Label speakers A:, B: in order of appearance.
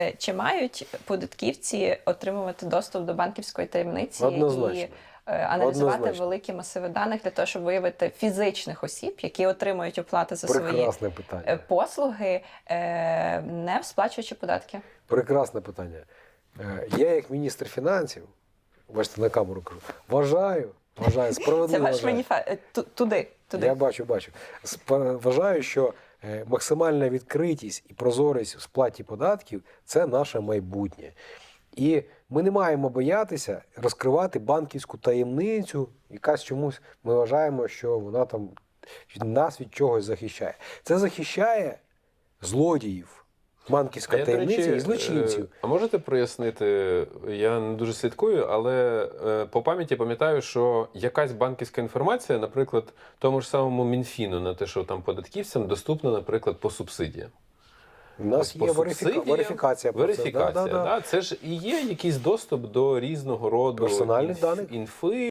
A: Чи мають податківці отримувати доступ до банківської таємниці
B: Однозначно.
A: і аналізувати
B: Однозначно.
A: великі масиви даних для того, щоб виявити фізичних осіб, які отримують оплати за свої
B: Прекрасне питання.
A: послуги, не сплачуючи податки?
B: Прекрасне питання. Я, як міністр фінансів, бачите, на камеру кажу, вважаю, справедливо
A: Це ваш
B: вважаю.
A: маніфест. Туди.
B: Я бачу. Вважаю, що максимальна відкритість і прозорість в сплаті податків – це наше майбутнє. І ми не маємо боятися розкривати банківську таємницю, якась чомусь ми вважаємо, що вона там нас від чогось захищає. Це захищає злодіїв, банківська таємниця і злочинців.
C: А можете прояснити, я не дуже слідкую, але по пам'яті пам'ятаю, що якась банківська інформація, наприклад, тому ж самому Мінфіну на те, що там податківцям доступна, наприклад, по субсидіям.
B: У нас є верифікація.
C: Верифікація, да. Це ж і є якийсь доступ до різного роду
B: персональних даних.
C: інфи,